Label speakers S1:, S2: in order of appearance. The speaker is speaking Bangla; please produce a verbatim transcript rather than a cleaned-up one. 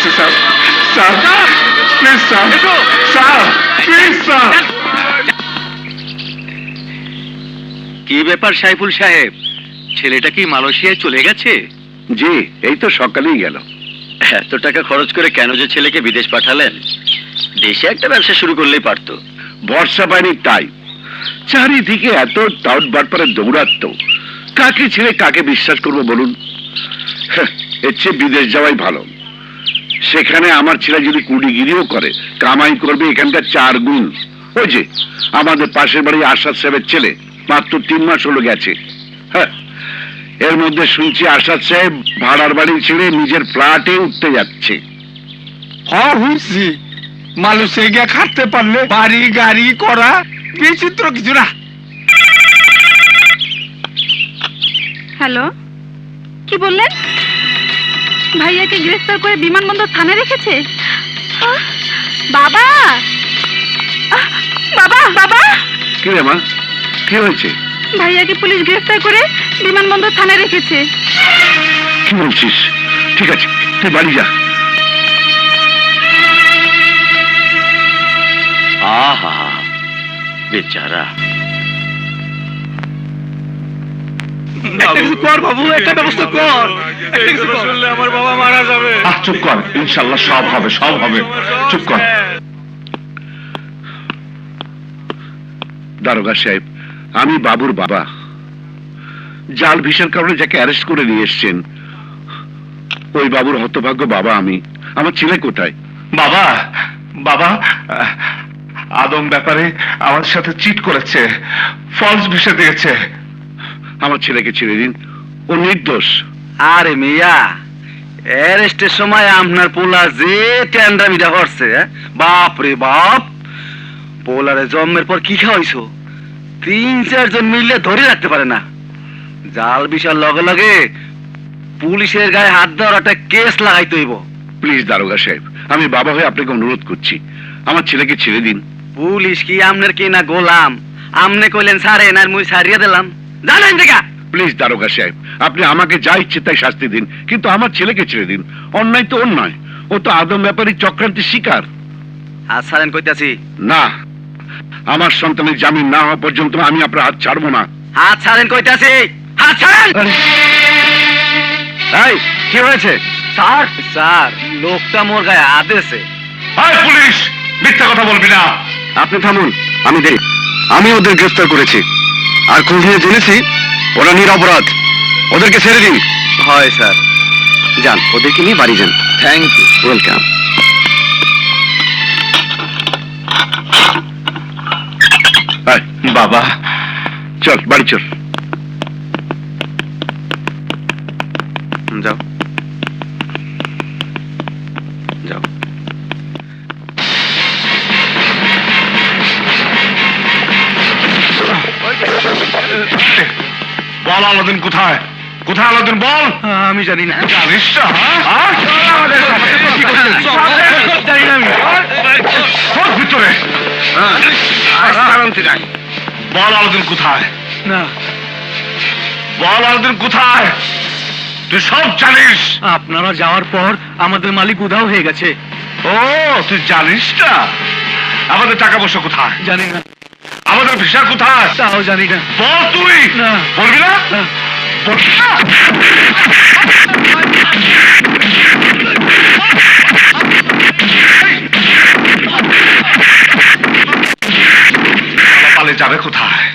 S1: আছে sir sir please sir sir please sir.
S2: কি ব্যাপার সাইফুল সাহেব, ছেলেটা কি মালয়েশিয়ায় চলে গেছে?
S3: জি, এই তো সকালেই গেল।
S2: এত টাকা খরচ করে কেন যে ছেলেকে বিদেশ পাঠালেন? দেশে একটা ব্যবসা শুরু করলেই পারতো।
S3: বর্ষা পায়নি তাই, চারিদিকে এত টাউট বাটপারে দৌড়াত্ম, কাকে ছেড়ে কাকে বিশ্বাস করবো বলুন? হ্যাঁ, এর চেয়ে বিদেশ যাওয়াই ভালো। সেখানে আমার ছেলে যদি কুড়িগিরিও করে, কামাই করবে এখানকার চার গুণ। ওই যে আমাদের পাশের বাড়ি আসাদ সাহেবের ছেলে, মাত্র তিন মাস হলো গেছে। হ্যাঁ, এর মধ্যে শুনছি আসাদ সাহেব ভাড়ার বাড়ি ছেড়ে নিজের ফ্ল্যাটে উঠতে যাচ্ছে।
S1: হ্যাঁ হইছি, মালয়েশিয়া গিয়ে খাটতে পারলে বাড়ি গাড়ি করা বিচিত্র কিছু না।
S4: হ্যালো, কি বললেন? ভাইয়াকে গ্রেফতার করে বিমানবন্দর থানায় রেখেছে? আহ, বাবা আহ, বাবা বাবা
S3: কি রে মা, কি হয়েছে?
S4: ভাইয়াকে পুলিশ গ্রেফতার করে বিমানবন্দর থানায় রেখেছে।
S3: কি বলছিস? ঠিক আছে, তুই বাড়ি যা।
S2: আহা বেচারা।
S1: কর বাবু, একটা ব্যবস্থা কর। শুনলে আমার বাবা মারা যাবে।
S3: আহ, চুপ কর, ইনশাল্লাহ সব হবে, সব হবে, চুপ কর। দারোগা সাহেব, আমি বাবুর বাবা। জাল ভিসার কারণে যাকে অ্যারেস্ট করে নিয়ে এসছেন, ওই বাবুর হতভাগ্য বাবা আমি। আমার ছেলে কোথায়?
S1: বাবা বাবা আদম ব্যাপারে আমার সাথে চিট করেছে, ফলস ভিসা দিয়েছে।
S3: আমার ছেলেকে ছেড়ে দিন, ও নির্দোষ।
S2: আরে মিয়া, অ্যারেস্টের সময় আপনার পোলা যে ট্যান্ডামিটা করছে, বাপ রে বাপ। পোলারে জন্মের পর কি খাওয়াইছো? তিন চারজন মিললে ধরে রাখতে পারে না। জাল বিশাল লগে লগে পুলিশের গায়ে হাত দেওয়ার একটা কেস লাগাইতে হইব।
S3: প্লিজ দারোগা সাহেব, আমি বাবা হয়ে আপনাকে অনুরোধ করছি, আমার ছেলেকে ছেড়ে দিন।
S2: পুলিশ কি আমনের কি না গোলাম? আমনে কইলেন সারে না, মুই সারিয়ে দিলাম। জানেন দেখা।
S3: প্লিজ দারোগা সাহেব, আপনি আমাকে যা ইচ্ছে তাই শাস্তি দিন, কিন্তু আমার ছেলেকে ছেড়ে দিন। অন্যায় তো অন্যায়, ও তো আদম ব্যাপারী চক্রান্তের শিকার।
S2: আর সারেন কইতাছি।
S3: না, আমার সন্তানের জামিন না হওয়া পর্যন্ত আমি আপনার হাত ছাড়বো না।
S2: হাত ছাড়েন কইতাছি, হাত ছাড়েন। এই কি হয়েছে? স্যার স্যার লোকটা মোর গায়ে হাত দিয়েছে।
S1: আয় পুলিশ, মিথ্যা কথা বলবি না।
S3: আপনি থামুন, আমি দেখ, আমি ওদের গ্রেফতার করেছি, আর খোঁজ নিয়ে জেনেছি ওরা নিরপরাধ। ওদেরকে ছেড়ে দিন।
S2: হয় স্যার।
S3: যান, ওদেরকে নিয়ে বাড়ি যান।
S2: Thank you.
S3: ওয়েলকাম।
S1: বাবা
S3: চল বাড়ি চল।
S2: যাও যাও।
S1: বল আলাদিন কোথায়? কোথায় আলাদিন বল।
S2: আমি জানি না।
S1: জানিস না? হ্যাঁ?
S2: জানি না আমি।
S1: সব ভিতরে
S2: নাই।
S1: বল আলাদিন কোথায়?
S2: না,
S1: বল আলাদিন কোথায়? তুই সব জানিস।
S2: আপনারা যাওয়ার পর আমাদের মালিক উধাও হয়ে গেছে।
S1: ও, তুই জানিস না? আমাদের টাকা পয়সা কোথায়?
S2: জানি না।
S1: আমাদের ভিসা কোথায়?
S2: তাও জানি না।
S1: বল তুই।
S2: না।
S1: বলবি না? বলবি না? পালে যাবে কোথায়?